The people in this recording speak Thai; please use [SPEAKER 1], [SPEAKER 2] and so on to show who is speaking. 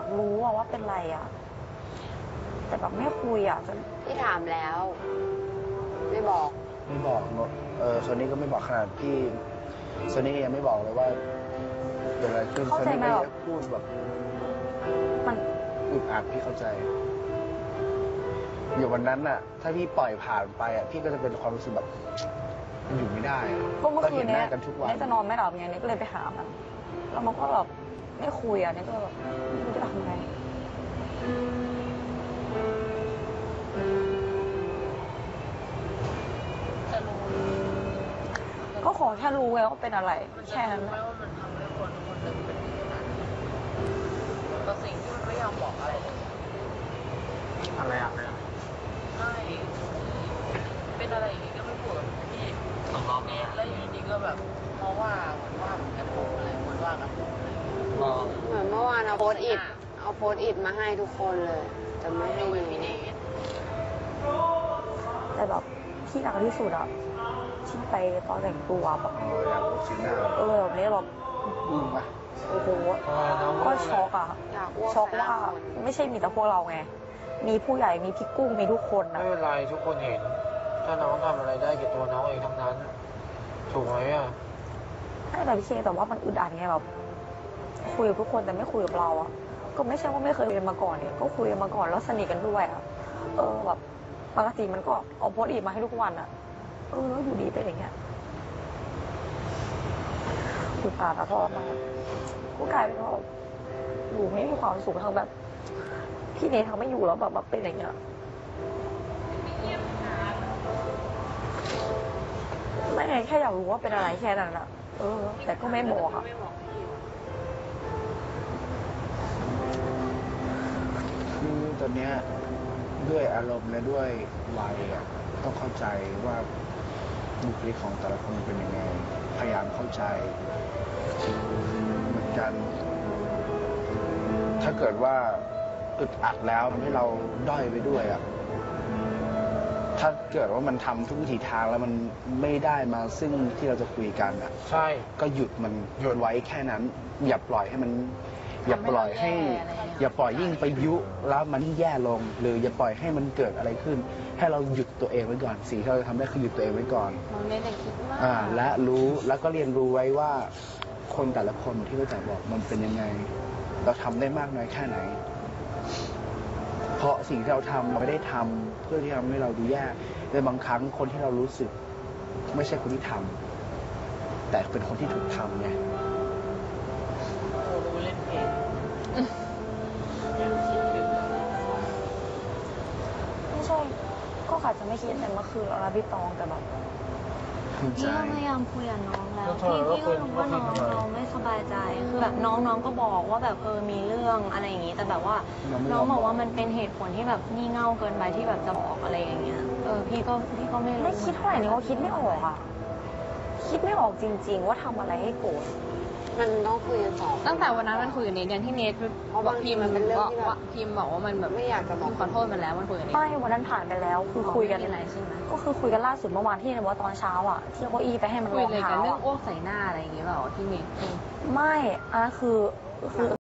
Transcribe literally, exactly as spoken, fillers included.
[SPEAKER 1] รู้อะว่าเป็นไรอะแต่แบบไม่คุยอะจน
[SPEAKER 2] พี่ถามแล้ว ไม่บอก
[SPEAKER 3] ไม่บอกเออโซนี่ก็ไม่บอกขนาดพี่โซนี่ยังไม่บอกเลยว่าเกิดอะไรขึ้นโซนี่ก็ยังพูดแบบ
[SPEAKER 1] มัน
[SPEAKER 3] อึดอัดพี่เข้าใจอยู่วันนั้นน่ะถ้าพี่ปล่อยผ่านไปอ่ะพี่ก็จะเป็นความรู้สึกแบบมันอยู่ไม่ได้
[SPEAKER 1] ก็เมื่อคืนนี้
[SPEAKER 3] กันทุกวัน
[SPEAKER 1] นี่จะนอนไม่หลับไงนี่ก็เลยไปหามันแล้วมันก็แบบไม่คุยอ่ะนี่ก็แบบไม่รู้จะทำไงก็ขอแค่รู้ไงว่าเป็นอะไรแค่นั้นแหละ
[SPEAKER 4] ว่ามันทำให้คนคนหนึ่งเป็นอย่างนั้นแต่สิ่งที่มันไม่ยอมบอกอะไรเลย
[SPEAKER 5] อะไรอะ
[SPEAKER 4] ใช่เป็นอะไรอย่างงี้ก็ไม่พูดกับพี่ต้องรอบนี้แล้วอยู่ดีก็แบบเพราะว่าเหมือนว่ากันผมอะไรเหมือนว่ากันผมอะไร
[SPEAKER 2] เหมือนเมื่อวานเอาโพสอิดเอาโพสอิดมาให้ทุกคนเลยแต่ไม่ให้ดู
[SPEAKER 1] แต่แบบที่หนักที่สุดอะที่ไปตอนแต่งตัวแบบ
[SPEAKER 3] อ๋ออยากรู้สีหน้า
[SPEAKER 1] เออแบบนี้แบบ
[SPEAKER 3] อึ้งปะ
[SPEAKER 1] โอ้โหก็ช็อกอะช็อกว่าไม่ใช่มีแต่พวกเราไงมีผู้ใหญ่มีพี่กุ้งมีทุกคน
[SPEAKER 5] นะไม่เป็นไรทุกคนเห็นถ้าน้องทำอะไรได้กับตัวน้องเองทั้งนั้นถูกไหมอ่ะ
[SPEAKER 1] ใช่แต่พี่เคแต่ว่ามันอึดอัดไงแบบคุยกับทุกคนแต่ไม่คุยกับเราอะก็ไม่ใช่ว่าไม่เคยเรียนมาก่อนเนี่ยก็คุยกันมาก่อนแล้วสนิทกันด้วยอะเออแบบปกติมันก็เอาโพสต์อีกมาให้ทุกวันอะเออแล้วอยู่ดีเป็นอย่างเงี้ยอึดอัดอะทอดมาก็กลายเป็นว่าอยู่ไม่มีความสุขทั้งแบบพี่เนทเขาไม่อยู่แล้วแบบเป็นอย่างเงี้ยไม่ไงแค่อยากรู้ว่าเป็นอะไรแค่นั้นอะเออแต่ก็ไม่บอกอะ
[SPEAKER 3] คือตอนเนี้ยด้วยอารมณ์และด้วยวัยอ่ะต้องเข้าใจว่าบุคลิกของแต่ละคนเป็นยังไงพยายามเข้าใจเหมือนกัน ถ้าเกิดว่าอึดอัดแล้วทำให้เราด้อยไปด้วยอ่ะถ้าเกิดว่ามันทำทุกวิถีทางแล้วมันไม่ได้มาซึ่งที่เราจะคุยกันอ่ะ
[SPEAKER 5] ใช่
[SPEAKER 3] ก็หยุดมันหยุดไว้แค่นั้นอย่าปล่อยให้มันอย่าปล่อยให้อย่าปล่อยยิ่งไปยุแล้วมันยิ่งแย่ลงหรืออย่าปล่อยให้มันเกิดอะไรขึ้นให้เราหยุดตัวเองไว้ก่อนสิ่งที่เราจะทำได้คือหยุดตัวเองไว้ก่อน
[SPEAKER 2] มันไม่ได้คิดมาก
[SPEAKER 3] อ่าและรู้แล้วก็เรียนรู้ไว้ว่าคนแต่ละคนที่เราจะบอกมันเป็นยังไงเราทำได้มากน้อยแค่ไหนเพราะสิ่งที่เราทำเราไม่ได้ทำเพื่อที่ทำให้เราดูแย่ในบางครั้งคนที่เรารู้สึกไม่ใช่คนที่ทำแต่เป็นคนที่ถูกทำไง
[SPEAKER 4] โอ้รู้เล่นเพลง
[SPEAKER 1] ไม่ใช่ก็อาจจะไม่คิดแต่เมื่อคืนเราพี่ตองแต่แบบ
[SPEAKER 6] พี่ก็พยายามคุยกับน้องแล้วพี่พี่ก็รู้ว่าน้องเราไม่สบายใจคือแบบน้องน้องก็บอกว่าแบบเออมีเรื่องอะไรอย่างนี้แต่แบบว่าน้องบอกว่ามันเป็นเหตุผลที่แบบงี่เง่าเกินไปที่แบบจะบอกอะไรอย่างเงี้ยเออพี่ก็พี่ก็ไม่รู้
[SPEAKER 1] ไม่คิดเท่าไหร่นี่ว่าคิดไม่ออกอ่ะคิดไม่ออกจริงๆว่าทำอะไรให้โกรธ
[SPEAKER 2] มันต้องคุยกันสอง
[SPEAKER 7] ตั้งแต่วันนั้นมันคุยกับเนทอย่างที่เนทบอกพิมพ์มันเป็นเรื่องที่แบบพิมพ์บอกว่ามันแบบ
[SPEAKER 2] ไม่อยากจะบอก
[SPEAKER 7] ขอโทษมันแล้วมันคุยกับเนท
[SPEAKER 1] ไม่วันนั้นผ่านไปแล้วคือคุยกัน
[SPEAKER 7] อะไรใช่ไหม
[SPEAKER 1] ก็คือคุยกันล่าสุดเมื่อวานที่ในว่าตอนเช้าอ่ะที่เอาเก้าอี้ไปให้มัน
[SPEAKER 7] คุยเลยกันเรื่อง
[SPEAKER 1] เ
[SPEAKER 7] อ้วกใส่หน้าอะไรอย่างเงี้ยเปล่าที่เนท
[SPEAKER 1] ไม่อันนั้นคือคือ